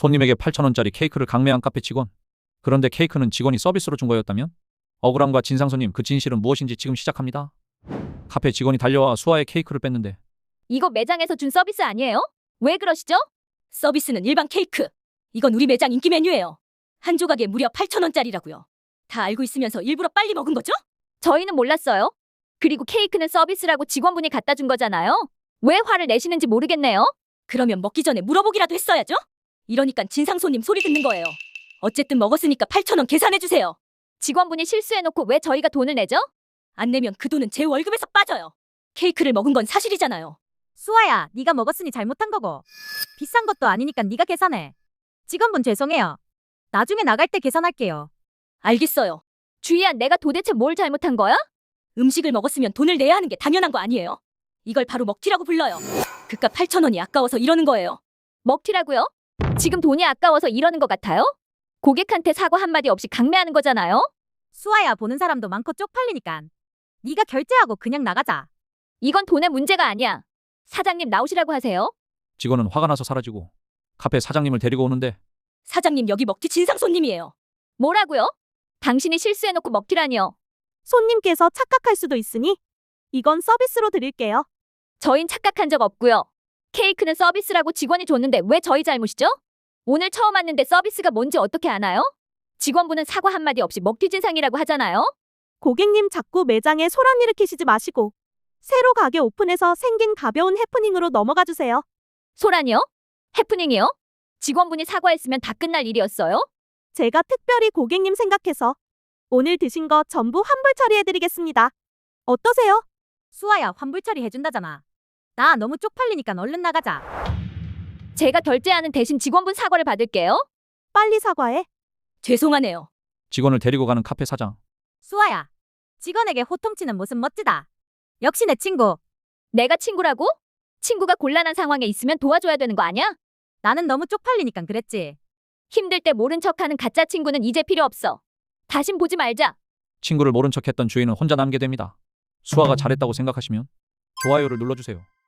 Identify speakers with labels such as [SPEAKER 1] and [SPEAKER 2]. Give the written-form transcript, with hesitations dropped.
[SPEAKER 1] 손님에게 8,000원짜리 케이크를 강매한 카페 직원. 그런데 케이크는 직원이 서비스로 준 거였다면? 억울함과 진상 손님, 그 진실은 무엇인지 지금 시작합니다. 카페 직원이 달려와 수아의 케이크를 뺐는데
[SPEAKER 2] 이거 매장에서 준 서비스 아니에요? 왜 그러시죠?
[SPEAKER 3] 서비스는 일반 케이크. 이건 우리 매장 인기 메뉴예요. 한 조각에 무려 8,000원짜리라고요. 다 알고 있으면서 일부러 빨리 먹은 거죠?
[SPEAKER 2] 저희는 몰랐어요. 그리고 케이크는 서비스라고 직원분이 갖다 준 거잖아요. 왜 화를 내시는지 모르겠네요.
[SPEAKER 3] 그러면 먹기 전에 물어보기라도 했어야죠? 이러니까 진상 손님 소리 듣는 거예요. 어쨌든 먹었으니까 8,000원 계산해주세요.
[SPEAKER 2] 직원분이 실수해놓고 왜 저희가 돈을 내죠?
[SPEAKER 3] 안 내면 그 돈은 제 월급에서 빠져요. 케이크를 먹은 건 사실이잖아요.
[SPEAKER 4] 수아야, 네가 먹었으니 잘못한 거고. 비싼 것도 아니니까 네가 계산해. 직원분 죄송해요. 나중에 나갈 때 계산할게요.
[SPEAKER 3] 알겠어요.
[SPEAKER 2] 주희야, 내가 도대체 뭘 잘못한 거야?
[SPEAKER 3] 음식을 먹었으면 돈을 내야 하는 게 당연한 거 아니에요? 이걸 바로 먹튀라고 불러요. 그깟 8,000원이 아까워서 이러는 거예요.
[SPEAKER 2] 먹튀라고요? 지금 돈이 아까워서 이러는 것 같아요? 고객한테 사과 한마디 없이 강매하는 거잖아요?
[SPEAKER 4] 수아야, 보는 사람도 많고 쪽팔리니까. 네가 결제하고 그냥 나가자.
[SPEAKER 2] 이건 돈의 문제가 아니야. 사장님 나오시라고 하세요.
[SPEAKER 1] 직원은 화가 나서 사라지고 카페 사장님을 데리고 오는데
[SPEAKER 3] 사장님, 여기 먹튀 진상 손님이에요.
[SPEAKER 2] 뭐라고요? 당신이 실수해놓고 먹튀라니요.
[SPEAKER 5] 손님께서 착각할 수도 있으니 이건 서비스로 드릴게요.
[SPEAKER 2] 저흰 착각한 적 없고요. 케이크는 서비스라고 직원이 줬는데 왜 저희 잘못이죠? 오늘 처음 왔는데 서비스가 뭔지 어떻게 아나요? 직원분은 사과 한마디 없이 먹튀 진상이라고 하잖아요.
[SPEAKER 5] 고객님 자꾸 매장에 소란 일으키시지 마시고 새로 가게 오픈해서 생긴 가벼운 해프닝으로 넘어가 주세요.
[SPEAKER 2] 소란이요? 해프닝이요? 직원분이 사과했으면 다 끝날 일이었어요?
[SPEAKER 5] 제가 특별히 고객님 생각해서 오늘 드신 거 전부 환불 처리해드리겠습니다. 어떠세요?
[SPEAKER 4] 수아야, 환불 처리 해준다잖아. 나 너무 쪽팔리니까 얼른 나가자.
[SPEAKER 2] 제가 결제하는 대신 직원분 사과를 받을게요.
[SPEAKER 5] 빨리 사과해.
[SPEAKER 3] 죄송하네요.
[SPEAKER 1] 직원을 데리고 가는 카페 사장.
[SPEAKER 4] 수아야, 직원에게 호통치는 모습 멋지다. 역시 내 친구.
[SPEAKER 2] 내가 친구라고? 친구가 곤란한 상황에 있으면 도와줘야 되는 거 아니야?
[SPEAKER 4] 나는 너무 쪽팔리니까 그랬지.
[SPEAKER 2] 힘들 때 모른 척하는 가짜 친구는 이제 필요 없어. 다신 보지 말자.
[SPEAKER 1] 친구를 모른 척했던 주인은 혼자 남게 됩니다. 수아가 잘했다고 생각하시면 좋아요를 눌러주세요.